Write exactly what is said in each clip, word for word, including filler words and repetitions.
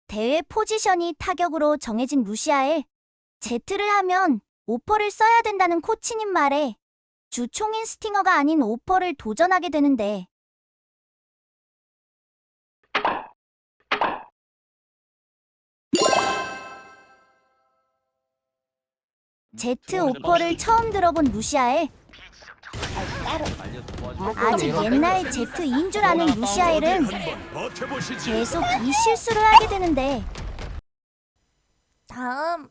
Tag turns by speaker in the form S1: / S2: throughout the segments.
S1: 대회 포지션이 타격으로 정해진 루시아에 제트를 하면 오퍼를 써야 된다는 코치님 말에 주 총인 스팅어가 아닌 오퍼를 도전하게 되는데 제트 오퍼를 처음 들어본 루시아에 아직 옛날 제트인 줄 아는 루시아엘은 계속 이 실수를 하게 되는데 다음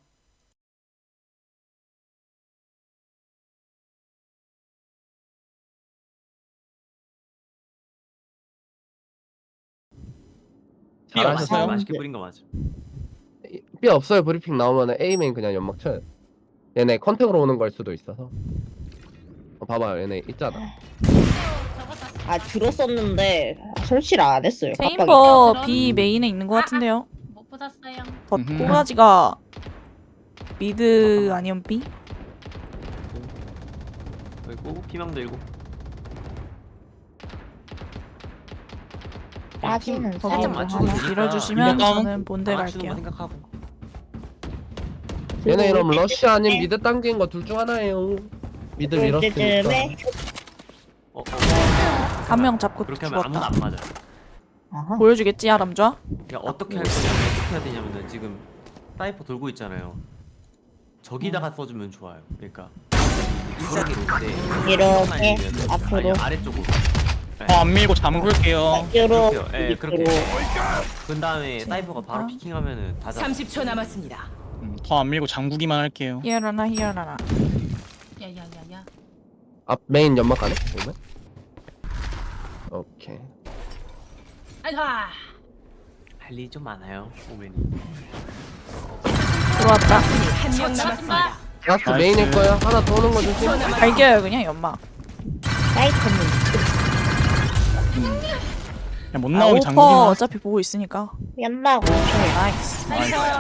S2: B 없어요?
S3: 맛있게 뿌린 거 맞아.
S2: B 없어요. 브리핑 나오면 A맨 그냥 연막 쳐요. 얘네 컨택으로 오는 걸 수도 있어서. 어, 봐봐요. 얘네 있잖아.
S4: 아 들었었는데 설치를 안 했어요. 깜빡이.
S5: 체인버 B 메인에 있는 것 같은데요.
S6: 못 보셨어요?
S5: 덧
S2: 음흠.
S5: 꼬라지가 미드 아니면 B?
S3: 그리고 피망 들고.
S4: 빠지는
S3: 살짝
S4: 사람
S3: 맞추고
S4: 하나.
S3: 되니까
S5: 밀어주시면
S2: 이거 다운?
S5: 저는 본대
S3: 맞추는 거
S5: 갈게요.
S3: 생각하고.
S2: 얘네 이러면 러쉬 아닌 미드 당긴 거 둘 중 하나예요. 미드 밀었으니까.
S4: 쯤에
S3: 어, 어.
S5: 한 명 잡고
S3: 그렇게 하면 아무나
S5: 죽었다.
S3: 안 맞아.
S4: 아하.
S5: 보여주겠지 아람좌?
S3: 그러니까 어떻게 할 거냐면 어떻게 해야 되냐면은 지금 사이퍼 돌고 있잖아요. 저기다가 써주면 좋아요. 그러니까 일자기로 때
S4: 이렇게 앞으로.
S3: 아래쪽으로.
S7: 어, 안 밀고 잠글게요.
S4: 이렇게
S3: 그렇게요. 예, 그렇게.
S4: 밑으로.
S3: 그 다음에 사이퍼가 바로 피킹하면은 다 잡아.
S6: 삼십 초 남았습니다.
S7: 음, 더 안 밀고 잠그기만 할게요.
S5: 히어라나 히어라나.
S6: 야야야야.
S2: 앞 메인 연막 가네? 오면? 오케이.
S6: 아이가.
S3: 할 일이 좀 많아요. 오맨이.
S5: 들어왔다.
S6: 한 명 남았습니다.
S2: 라스트
S7: 나이스.
S2: 메인일 거야. 하나 더 오는 거 조심.
S5: 갈겨요 그냥 연막.
S4: 사이트는
S7: 그냥 못
S5: 아,
S7: 나오게
S5: 오퍼
S7: 잠그기만.
S5: 어차피 보고 있으니까.
S4: 연막 오초.
S5: 나이스.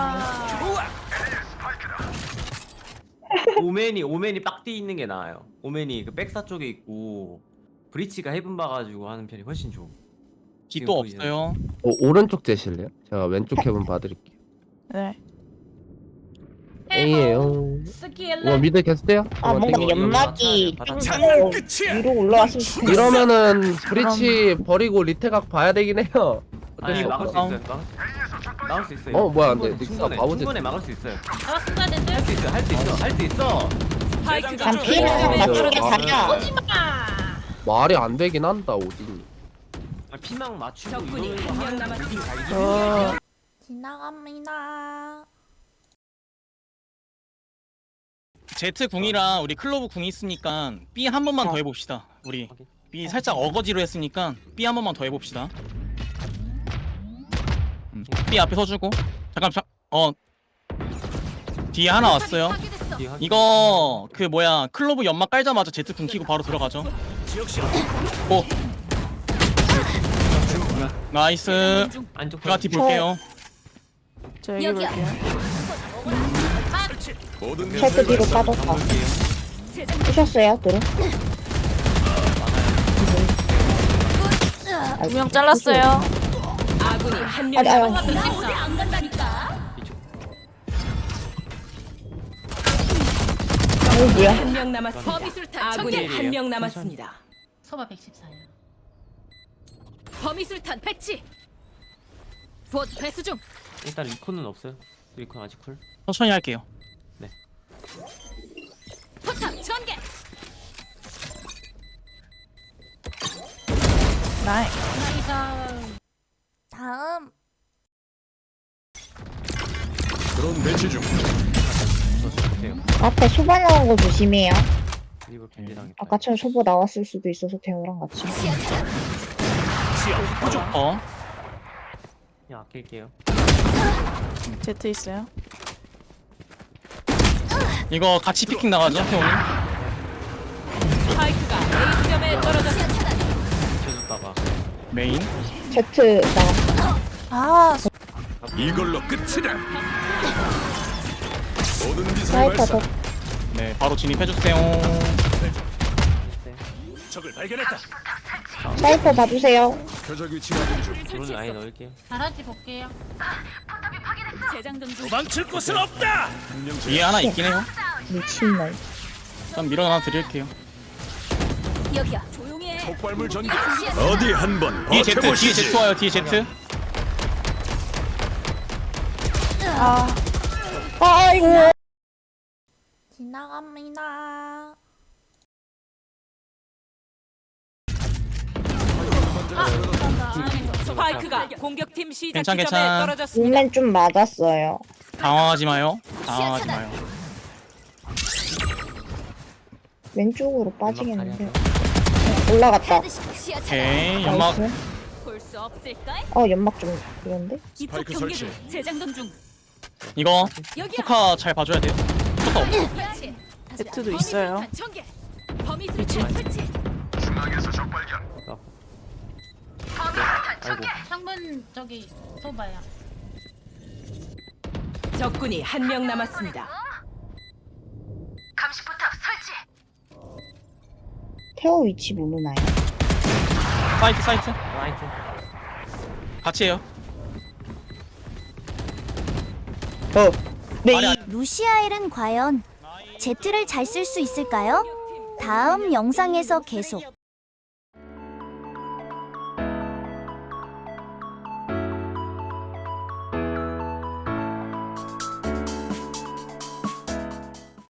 S3: 오맨이 오맨이 빡디 있는 게 나아요. 오맨이 그 백사 쪽에 있고 브리치가 헤븐 봐가지고 하는 편이 훨씬 좋아.
S7: B 또 없어요.
S2: 오, 오른쪽 제실래요? 제가 왼쪽 해본 봐드릴게요.
S5: 네.
S2: A예요.
S6: 스킬레.
S2: 와 미드 계속 돼요?
S4: 아 뭔가
S3: 땡겨.
S4: 연막이
S3: 바닥
S4: 땡겨서 위로 올라왔으면 좋겠어.
S2: 이러면은 브리치 버리고 리테각 봐야 되긴 해요.
S3: 아니
S2: 어쩔 수
S3: 막을 수
S2: 없어.
S3: 있어요. 막을, 막을 수 있어요.
S2: 어, 뭐야, 안 돼.
S3: 충분해,
S2: 닉스가
S3: 충분해,
S2: 바보지.
S3: 충분해 막을 수 있어요.
S6: 나왔습니다, 랜드.
S3: 할 수 있어. 할 수 있어. 할 수 있어.
S6: 스파이크가
S4: 난 피해를 맞추게 가냐.
S6: 아.
S2: 말이 안 되긴 한다 오딘.
S3: 아, 피망 맞추고
S6: 적군이
S3: 이러는 거
S6: 한 명
S3: 하는
S6: 남았습니다.
S3: 거
S5: 저
S1: 지나갑니다.
S7: 제트 궁이랑 우리 클로브 궁이 있으니까 B 한 번만 더 해봅시다. 우리 B 살짝 어거지로 했으니까 B 한 번만 더 해봅시다. 음, B 앞에 서주고 잠깐 자, 어 뒤에 하나 왔어요.
S3: 뒤에 확인.
S7: 이거 그 뭐야 클로브 연막 깔자마자 제트 궁 키고 바로 들어가죠. 오 나이스.
S3: 안쪽
S7: 제가 뒤 볼게요.
S5: 저 여기 볼게요.
S4: 셔츠 뒤로 빠졌다. 부셨어요 들어.
S5: 두 명 잘랐어요.
S6: 아군이 한 명
S4: 아니, 아니.
S6: 남았습니다.
S4: 어 뭐야?
S6: 한 명 남았습니다. 범위술탄 아군이 한 명 남았습니다.
S8: 소바 백십사예요.
S6: 범위술탄 배치. 봇 배수 중.
S3: 일단 리콘은 없어요. 리콘 아직 쿨.
S7: 천천히 할게요.
S6: 포탑 전개.
S5: 나이.
S1: 다음
S9: 드론 배치 중.
S3: 돼요.
S4: 앞에 소바 나온 거 조심해요.
S3: 리버 캔디 당했다.
S4: 아까처럼 소바 나왔을 수도 있어서 대호랑 같이.
S7: 어
S3: 그냥 아낄게요.
S5: 제트 있어요.
S7: 이거 같이 피킹 나가죠 태용이.
S6: 스파이크가 A 지점에 떨어졌습니다.
S3: 비켜줬다가
S7: 메인.
S4: 제트 나.
S5: 아
S9: 이걸로 끝이다. 모든 미사일
S4: 사이퍼
S9: 발사.
S4: 더.
S7: 네 바로 진입해주세요.
S9: 적을 발견했다.
S4: 사이퍼 봐주세요.
S9: 표적 위치 확인 중.
S3: 드론 아예 넣을게요.
S8: 잘하지 볼게요.
S6: 재장전 중.
S9: 도망칠 곳은 없다.
S7: 위에 하나 있긴 해요.
S4: 미친놈.
S7: 일단 밀어놔 드릴게요.
S6: 여기야. 조용히 해.
S9: 폭발물 전개. 어디 한번
S7: 뒤에 제트, 뒤에
S9: 버텨보시지.
S7: 제트 와요. 뒤에 제트.
S5: 아
S4: 아이고.
S5: 지나갑니다.
S6: 스파이크가 공격팀 시작
S7: 괜찮,
S6: 지점에
S7: 괜찮.
S6: 떨어졌습니다.
S4: 몸맨 좀 맞았어요.
S7: 당황하지 마요. 당황하지 마요.
S4: 왼쪽으로 빠지겠는데. 올라갔다.
S6: 시야 차단.
S7: 오케이 연막.
S4: 나이스.
S6: 볼수 없을까?
S4: 어 연막 좀 그런데?
S6: 이쪽
S9: 스파이크
S6: 경계도
S9: 설치.
S6: 재장전 중.
S7: 이거
S6: 여기야.
S7: 포카 잘 봐줘야 돼요. 포카 없어.
S6: 설치.
S5: 제트도 있어요.
S6: 범위 전개. 범위 수류탄 설치.
S3: 아이고.
S6: 창문 저기 써봐요. 적군이 한 명 남았습니다.
S4: 태호 위치 모르나요?
S7: 사이트 사이트.
S3: 라이트.
S7: 같이 해요.
S4: 어. 네.
S7: 아니, 아니.
S1: 루시아엘은 과연 제트를 잘 쓸 수 있을까요? 다음 영상에서 계속